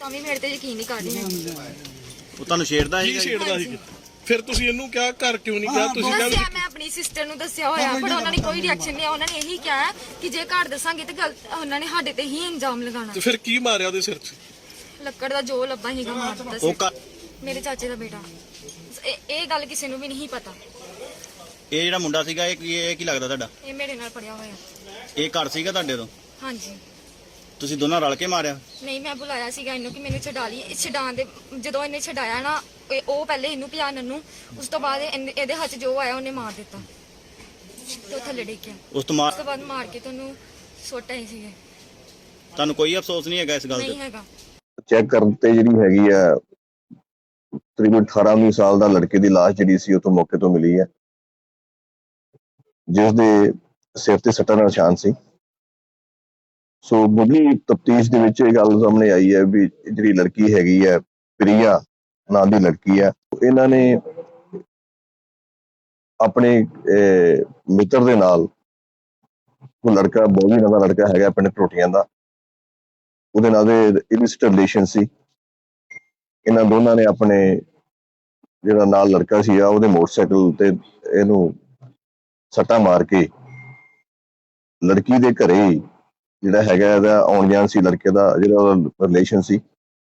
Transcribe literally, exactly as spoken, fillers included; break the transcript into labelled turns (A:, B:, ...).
A: ਤਾਂ ਵੀ ਮੇਰੇ ਤੇ ਯਕੀਨ ਨਹੀਂ ਕਰ ਰਹੀ ਹੈ।
B: ਉਹ ਤੁਹਾਨੂੰ ਛੇੜਦਾ
C: ਕੀ ਛੇੜਦਾ ਸੀ? ਫਿਰ ਤੁਸੀਂ ਇਹਨੂੰ ਕਿਹਾ ਘਰ ਕਿਉਂ ਨਹੀਂ ਕਿਹਾ? ਤੁਸੀਂ
A: ਦੱਸਿਆ
C: ਕਿਹਾ
A: ਮੈਂ ਆਪਣੀ ਸਿਸਟਰ ਨੂੰ ਦੱਸਿਆ ਹੋਇਆ, ਪਰ ਉਹਨਾਂ ਨੇ ਕੋਈ ਰਿਐਕਸ਼ਨ ਨਹੀਂ। ਉਹਨਾਂ ਨੇ ਇਹੀ ਕਿਹਾ ਕਿ ਜੇ ਘਰ ਦੱਸਾਂਗੇ ਤੇ ਗਲਤ ਉਹਨਾਂ ਨੇ ਸਾਡੇ ਤੇ ਹੀ ਇਲਜ਼ਾਮ ਲਗਾਉਣਾ।
C: ਤੇ ਫਿਰ ਕੀ ਮਾਰਿਆ ਉਹਦੇ ਸਿਰ 'ਚ?
A: ਲੱਕੜ ਦਾ ਜੋ ਲੱਭਾ ਹੀਗਾ ਮਾਰ ਦਿੱਤਾ
B: ਉਹ
A: ਸੀ।
B: ਘਰ-
A: ਮੇਰੇ ਚਾਚੇ ਦਾ ਬੇਟਾ। ਇਹ ਇਹ ਗੱਲ ਕਿਸੇ ਨੂੰ ਵੀ ਨਹੀਂ ਪਤਾ।
B: ਇਹ ਜਿਹੜਾ ਮੁੰਡਾ ਸੀਗਾ ਇਹ ਕੀ ਇਹ ਕੀ ਲੱਗਦਾ ਤੁਹਾਡਾ?
A: ਇਹ ਮੇਰੇ ਨਾਲ ਪੜਿਆ ਹੋਇਆ।
B: ਇਹ ਘਰ ਸੀਗਾ ਤੁਹਾਡੇ ਤੋਂ?
A: ਹਾਂਜੀ।
B: ਤੁਸੀਂ ਦੋਨਾਂ ਰਲ ਕੇ ਮਾਰਿਆ?
A: ਨਹੀਂ, ਮੈਂ ਬੁਲਾਇਆ ਸੀਗਾ ਇਹਨੂੰ ਕਿ ਮੈਨੂੰ ਛਡਾ ਲਈ। ਛਡਾਉਣ ਦੇ ਜਦੋਂ ਇਹਨੇ ਛਡਾਇਆ ਨਾ, ਇਹ- ਉਹ ਪਹਿਲੇ ਇਹਨੂੰ ਭਜਾਨਣ ਨੂੰ, ਉਸ ਤੋਂ ਬਾਅਦ ਇਹਨੇ- ਇਹਦੇ ਹੱਥ ਜੋ ਆਇਆ ਉਹਨੇ ਮਾਰ ਦਿੱਤਾ ਤੇ ਉਹ ਥੱਲੇ ਡਿੱਗ ਗਿਆ।
B: ਉਸ ਤੋਂ ਮਾਰ
A: ਉਸ ਤੋਂ ਬਾਅਦ ਮਾਰ ਕੇ ਤੁਹਾਨੂੰ ਸੁੱਟ ਆਏ ਸੀਗੇ।
B: ਤੁਹਾਨੂੰ ਕੋਈ ਅਫਸੋਸ ਨਹੀਂ ਹੈਗਾ ਇਸ ਗੱਲ
A: ਨਹੀਂ
B: ਤੇ?
A: ਹੈਗਾ।
D: ਚੈੱਕ ਕਰਨ ਤੇ ਜਿਹੜੀ ਹੈਗੀ ਆ ਤਕਰੀਬਨ ਅਠਾਰਾਂ ਉੱਨੀ ਸਾਲ ਦਾ ਲੜਕੇ ਦੀ ਲਾਸ਼ ਜਿਹੜੀ ਸੀ ਉੱਥੋਂ ਮੌਕੇ ਤੋਂ ਮਿਲੀ ਹੈ, ਜਿਸ ਦੇ ਸਿਰ ਤੇ ਸੱਟਾਂ ਦਾ ਨਿਸ਼ਾਨ ਸੀ। ਸੋ ਮੁੱਢਲੀ ਤਫਤੀਸ਼ ਦੇ ਵਿੱਚ ਇਹ ਗੱਲ ਸਾਹਮਣੇ ਆਈ ਹੈ ਵੀ ਜਿਹੜੀ ਲੜਕੀ ਹੈਗੀ ਹੈ ਪ੍ਰਿਆ ਨਾਂ ਦੀ ਲੜਕੀ ਹੈ, ਇਹਨਾਂ ਨੇ ਆਪਣੇ ਮਿੱਤਰ ਦੇ ਨਾਲ, ਉਹ ਲੜਕਾ ਬੋਵੀ ਨਾਂ ਦਾ ਲੜਕਾ ਹੈਗਾ ਪਿੰਡ ਟੋਟੀਆਂ ਦਾ, ਉਹਦੇ ਨਾਲ ਦੇ ਇਲਿਸਿਟ ਰਿਲੇਸ਼ਨ ਸੀ। ਇਹਨਾਂ ਦੋਨਾਂ ਨੇ ਆਪਣੇ ਜਿਹੜਾ ਨਾਲ ਲੜਕਾ ਸੀਗਾ ਉਹਦੇ ਮੋਟਰਸਾਈਕਲ ਤੇ ਇਹਨੂੰ ਸੱਟਾਂ ਮਾਰ ਕੇ ਲੜਕੀ ਦੇ ਘਰੇ ਜਿਹੜਾ ਹੈਗਾ ਇਹਦਾ ਆਉਣ ਜਾਣ ਸੀ, ਲੜਕੇ ਦਾ ਜਿਹੜਾ ਰਿਲੇਸ਼ਨ ਸੀ,